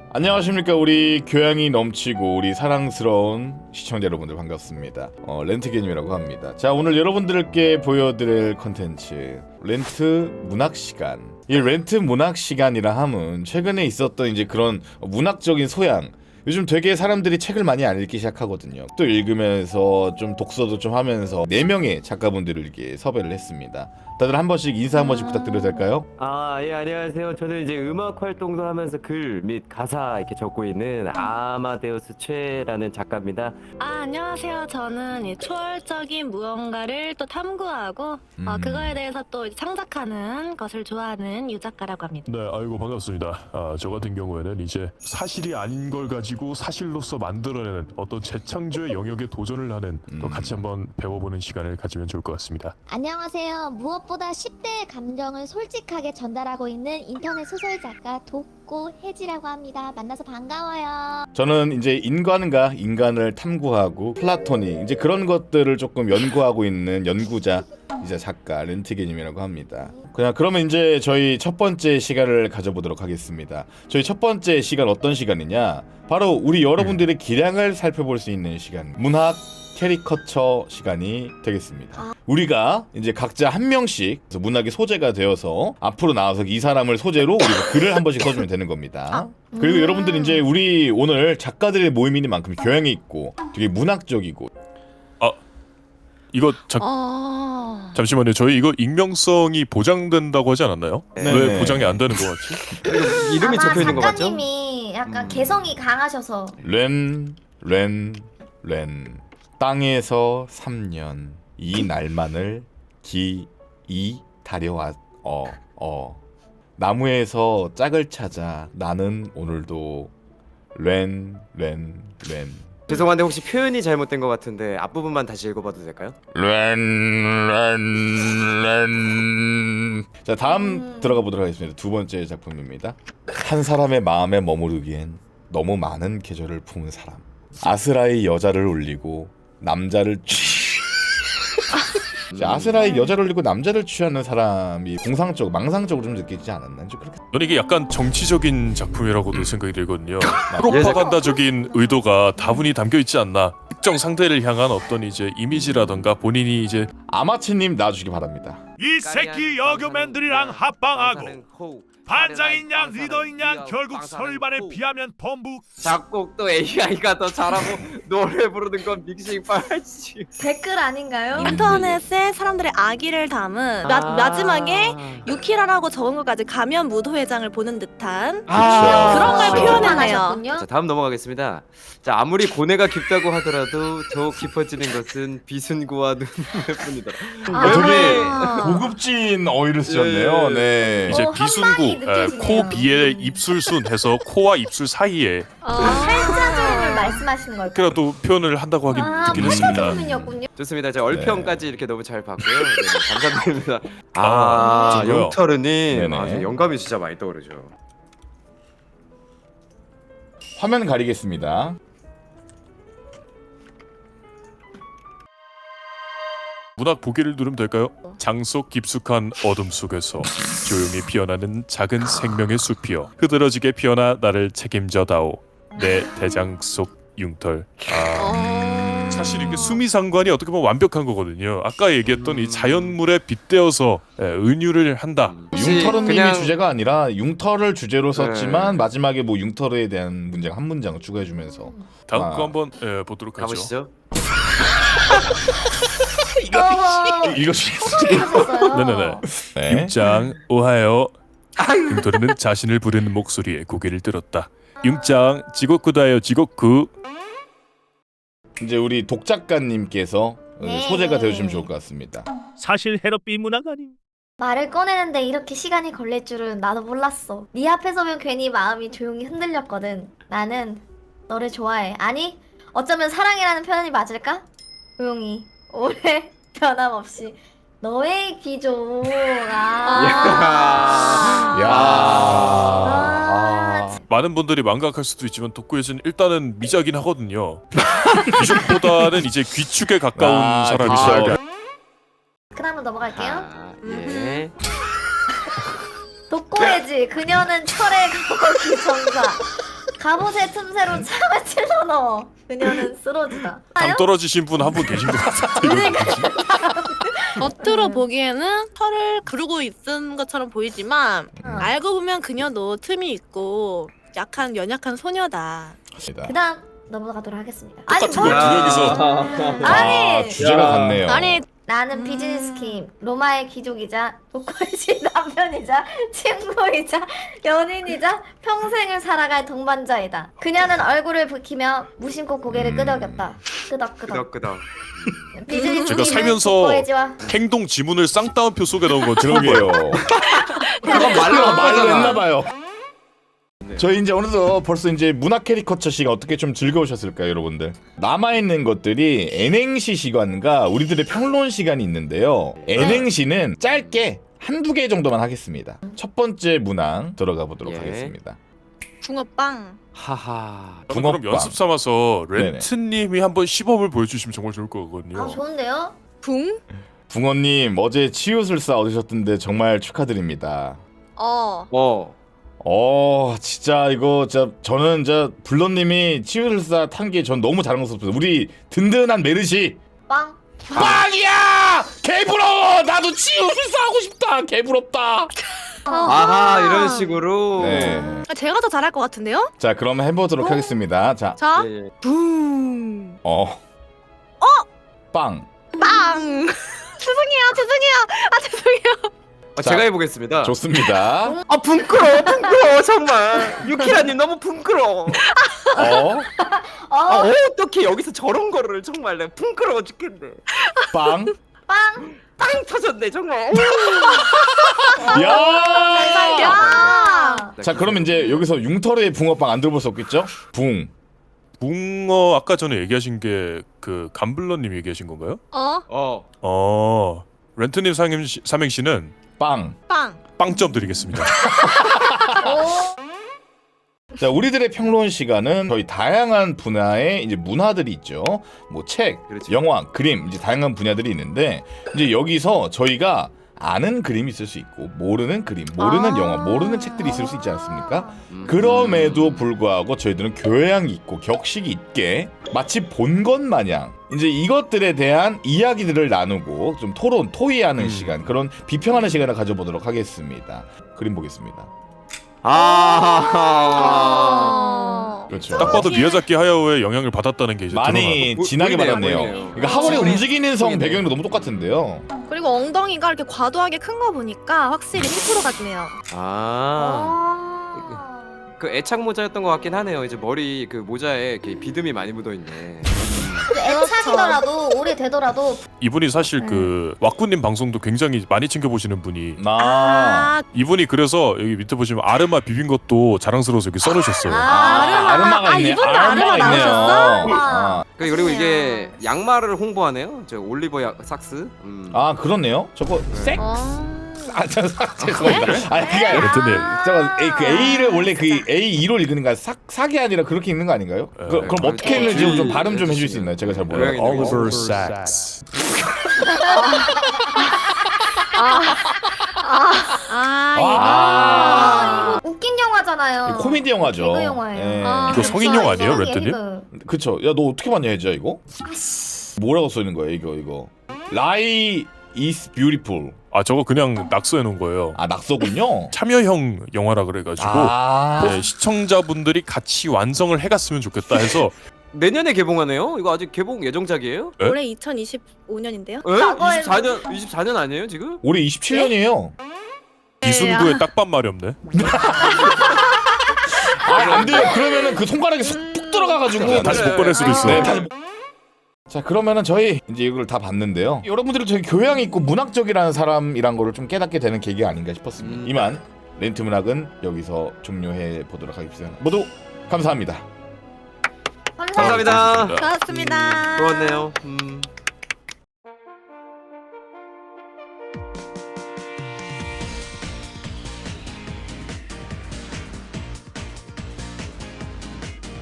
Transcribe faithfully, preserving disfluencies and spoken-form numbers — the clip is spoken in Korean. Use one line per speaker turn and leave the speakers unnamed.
안녕하십니까. 우리 교양이 넘치고 우리 사랑스러운 시청자 여러분들 반갑습니다. 어, 렌트게님이라고 합니다. 자, 오늘 여러분들께 보여드릴 컨텐츠 렌트 문학 시간. 이 렌트 문학 시간이라 함은 최근에 있었던 이제 그런 문학적인 소양, 요즘 되게 사람들이 책을 많이 안 읽기 시작하거든요. 또 읽으면서 좀 독서도 좀 하면서 네 명의 작가분들을 이렇게 섭외를 했습니다. 다들 한 번씩 인사 한 번씩 부탁드려도 될까요?
아, 예, 안녕하세요. 저는 이제 음악 활동도 하면서 글 및 가사 이렇게 적고 있는 아마데우스 최라는 작가입니다.
아, 안녕하세요. 저는 이 초월적인 무언가를 또 탐구하고
음.
어, 그거에 대해서 또 창작하는 것을 좋아하는 유 작가라고 합니다.
네, 아이고 반갑습니다. 아, 저 같은 경우에는 이제 사실이 아닌 걸 가지고 사실로서 만들어내는 어떤 재창조의 영역에 도전을 하는 또
음.
같이 한번 배워보는 시간을 가지면 좋을 것 같습니다.
안녕하세요. 무엇보다 십 대의 감정을 솔직하게 전달하고 있는 인터넷 소설 작가 독고 혜지라고 합니다. 만나서 반가워요.
저는 이제 인간과 인간을 탐구하고 플라토닉 이제 그런 것들을 조금 연구하고 있는 연구자 이제 작가 렌트게님이라고 합니다. 그냥 그러면 이제 저희 첫 번째 시간을 가져보도록 하겠습니다. 저희 첫 번째 시간 어떤 시간이냐? 바로 우리 여러분들의 기량을 살펴볼 수 있는 시간, 문학 캐리커처 시간이 되겠습니다. 우리가 이제 각자 한 명씩 문학의 소재가 되어서 앞으로 나와서 이 사람을 소재로 우리가 글을 한 번씩 써주면 되는 겁니다. 그리고
음.
여러분들 이제 우리 오늘 작가들의 모임이니만큼 교양이 있고 되게 문학적이고.
이거 잠,
어...
잠시만요. 저희 이거 익명성이 보장된다고 하지 않았나요?
네.
왜 보장이 안 되는 것 같지?
이름이
아마
적혀 있는 거 맞죠?
작가님이 약간
음.
개성이 강하셔서
렌, 렌, 렌. 땅에서 삼 년 이 날만을 기이 다려왔 어, 어. 나무에서 짝을 찾아 나는 오늘도 렌, 렌, 렌.
죄송한데 혹시 표현이 잘못된 것 같은데 앞부분만 다시 읽어봐도 될까요?
렌, 렌, 렌. 자, 다음
음.
들어가 보도록 하겠습니다. 두 번째 작품입니다. 한 사람의 마음에 머무르기엔 너무 많은 계절을 품은 사람. 아스라의 여자를 울리고 남자를 취. 자, 아스라의 여자를 울리고 남자를 취하는 사람이 공상적, 망상적으로 좀 느끼지 않았나? 좀 그렇게.
저는 이게 약간 정치적인 작품이라고도 생각이 들거든요.
예,
프로파간다적인 의도가 다분히 담겨 있지 않나. 특정 상대를 향한 어떤 이제 이미지라던가 본인이 이제
아마치님 나와주시기 바랍니다.
이 새끼 여교맨들이랑 합방하고 반장인 양 리더인 양 결국 설반에 비하면 범부.
작곡도 에이아이가 더 잘하고 노래 부르는 건 믹싱 빨지.
댓글 아닌가요?
인터넷에 사람들의 악의를 담은 마, 마지막에 유키라라고 적은 것까지 가면 무도회장을 보는 듯한
아,
그런 걸
그렇죠.
표현했네요.
하셨군요.
자, 다음 넘어가겠습니다. 자, 아무리 고뇌가 깊다고 하더라도 더욱 깊어지는 것은 비순구와 눈물뿐이다.
아.
되게 고급진 어휘를 쓰셨네요.
예.
네.
이제
어,
비순구,
한방이
에,
느껴지네요.
코 비의 입술순 해서 코와 입술 사이에
아, 팔자주름을 말씀하시는 걸까요?
그래도 표현을 한다고 하긴
아,
듣긴 했습니다.
팔자주름이었군요.
좋습니다. 제가 얼평까지 이렇게 너무 잘 봤고요. 네, 감사드립니다.
아,
아,
진짜요?
영철은님,
네네.
아, 저 영감이 진짜 많이 떠오르죠.
화면 가리겠습니다.
문학 보기를 누르면 될까요? 장속 깊숙한 어둠 속에서 조용히 피어나는 작은 생명의 숲이여 흐드러지게 피어나 나를 책임져다오 내 대장 속 융털. 아, 사실 이게 수미상관이 어떻게 보면 완벽한 거거든요. 아까 얘기했던 이 자연물에 빗대어서 예, 은유를 한다.
융털은님이
그냥-
주제가 아니라 융털을 주제로 썼지만
네.
마지막에 뭐 융털에 대한 문장 한 문장 추가해주면서
다음
아.
거 한번 예, 보도록 하죠.
가보시죠.
어머,
읽어주시겠어요?
하셨어요?
네네네.
네.
융짱 오하요. 융토리는 자신을 부르는 목소리에 고개를 들었다. 융짱 지고쿠다요 지고쿠.
이제 우리 독작가님께서
네.
소재가 되어주시면 좋을 것 같습니다.
사실 헤럿비 문학 아님.
말을 꺼내는데 이렇게 시간이 걸릴 줄은 나도 몰랐어. 네 앞에 서면 괜히 마음이 조용히 흔들렸거든. 나는 너를 좋아해. 아니, 어쩌면 사랑이라는 표현이 맞을까? 조용히, 오래, 변함없이 너의 귀족. 아.
야.
아.
많은 분들이 망각할 수도 있지만 덕구에서는 일단은 미자긴 하거든요. 귀족보다는 이제 귀축에 가까운
아,
사람이시죠.
귀축.
그 다음으로 넘어갈게요.
아, 예.
독고해지 그녀는 철의 거기 전사. 갑옷의 틈새로 창을 찔러 넣어. 그녀는 쓰러지다.
당 떨어지신 분 한 분 계신 것 같은데.
겉으로 보기에는 털을 그르고 있은 것처럼 보이지만
어.
알고 보면 그녀도 틈이 있고 약한 연약한 소녀다.
그 다음 넘어가도록 하겠습니다.
똑같은
뭘-
걸 두 명이서.
아,
아니
주제가
야.
같네요.
아니
나는 비즈니스 킴, 로마의 귀족이자 독거지 남편이자 친구이자 연인이자 평생을 살아갈 동반자이다. 그녀는 얼굴을 붉히며 무심코 고개를
음.
끄덕였다. 끄덕끄덕.
끄덕끄덕.
비즈니스
제가
킴은
살면서
독거지와
행동 지문을 쌍따옴표 속에 넣은 건
그러게요.
그건 말로
말로 했나봐요. 저희 이제 어느덧 벌써 이제 문화 캐리커처 시간 어떻게 좀 즐거우셨을까요, 여러분들? 남아있는 것들이 N행시 시간과 우리들의 평론 시간이 있는데요. N행시는 짧게 한두 개 정도만 하겠습니다. 첫 번째 문항 들어가 보도록
예.
하겠습니다.
붕어빵.
하하.
저는 그럼
붕어빵.
연습 삼아서
네네.
렌트님이 한번 시범을 보여주시면 정말 좋을 거거든요.
아 좋은데요?
붕?
붕어님 어제 치유술사 얻으셨던데 정말 축하드립니다.
어.
어.
어 진짜 이거 진짜 저는 진짜 블런님이 치유술사 탄 게 전 너무 자랑스럽습니다. 우리 든든한 메르시
빵.
빵이야! 개부러워! 나도 치유술사 하고 싶다! 개부럽다!
아하 이런 식으로.
네.
제가 더 잘할 것 같은데요?
자 그럼 해보도록 하겠습니다. 자,
자,
예, 예.
붕.
어, 어, 빵.
빵. 죄송해요, 죄송해요. 아 죄송해요.
아,
자,
제가 해보겠습니다.
좋습니다.
아 붕끄러워 붕끄러워 정말. 유키라님 너무 붕끄러워.
어,
어.
아 어떻게 여기서 저런 거를 정말 내가 붕끄러워 죽겠네.
빵.
빵.
빵 터졌네 정말.
야!
야.
자 그럼 이제 여기서 융털의 붕어빵 안 들어볼 수 없겠죠? 붕.
붕어 아까 전에 얘기하신 게 그 감블러님 얘기하신 건가요?
어?
어.
어 렌트님 삼행시, 삼행시는
빵.
빵.
빵점 드리겠습니다.
오.
자 우리들의 평론 시간은 저희 다양한 분야의 이제 문화들이 있죠. 뭐 책,
그렇죠.
영화, 그림 이제 다양한 분야들이 있는데 이제 여기서 저희가 아는 그림이 있을 수 있고 모르는 그림, 모르는
아.
영화, 모르는 책들이 있을 수 있지 않습니까?
음.
그럼에도 불구하고 저희들은 교양이 있고 격식이 있게 마치 본 것 마냥 이제 이것들에 대한 이야기들을 나누고 좀 토론, 토의하는
음.
시간, 그런 비평하는 시간을 가져보도록 하겠습니다. 그림 보겠습니다.
아.
어.
그렇죠.
딱 봐도 미야자키 하야오의 영향을 받았다는 게 이제
많이
보-
진하게
보이네요,
받았네요.
보이네요.
그러니까 하월의
보이네.
움직이는 성
보이네.
배경이랑 너무 똑같은데요.
그리고 엉덩이가 이렇게 과도하게 큰 거 보니까 확실히 십 퍼센트 같네요.
아.
아.
그 애착 모자였던 것 같긴 하네요. 이제 머리 그 모자에 이렇게 비듬이 많이 묻어 있네.
근데 애착이더라도 오래 되더라도
이분이 사실 그 왁구님 방송도 굉장히 많이 챙겨보시는 분이
나
아,
이분이 그래서 여기 밑에 보시면 아르마 비빈 것도 자랑스러워서 여기 써놓으셨어요.
아,
아르마가
아,
있네.
이분도
아르마가
아르마
있네요.
나오셨어?
아,
그 그리고 이게 양말을 홍보하네요. 저 올리버 야, 삭스. 음.
아 그렇네요. 저거 색?
어.
아, 저, 삭- 죄송합니다. 아, 그게 아니라
렌트님.
저거 A, 그 A를 원래 그 에이 이로 읽는 거 삭, 삭이 아니라 그렇게 읽는 거 아닌가요? 그, 그럼
네,
어떻게
그렇죠.
읽는지 좀
네,
발음 좀
네,
해줄 수 있나요? 제가 잘 몰라요.
고양이 네.
Oliver
어,
Sacks.
아,
아,
아, 이거 웃긴 영화잖아요.
이거 코미디 영화죠.
개그 영화예요.
예.
아.
이거 성인용 아니에요, 렌트님?
그쵸. 야, 너 어떻게 봤냐, 해자 이거? 뭐라고 써 있는 거야, 이거, 이거? Lie is beautiful.
아 저거 그냥 낙서해 놓은 거예요.
아, 낙서군요.
참여형 영화라 그래가지고
아,
네, 시청자분들이 같이 완성을 해갔으면 좋겠다 해서
내년에 개봉하네요. 이거 아직 개봉 예정작이에요?
네?
올해 이천이십오 년인데요?
에?
과거에는-
이십사 년 이십사 년 아니에요 지금?
올해 이십칠 년이에요.
이순구의 딱밤 마렵네.
아, 안 돼요. 그러면은 그 손가락에 쏙 푹 들어가가지고
다시 못 꺼낼 수도 있어.
네, 다시. 자, 그러면은 저희 이제 이걸 다 봤는데요. 여러분들이 저희 교양 있고 문학적이라는 사람이란 거를 좀 깨닫게 되는 계기가 아닌가 싶었습니다.
음.
이만 렌트 문학은 여기서 종료해 보도록 하겠습니다. 모두 감사합니다.
감사합니다.
감사합니다.
고맙습니다.
좋았네요. 음.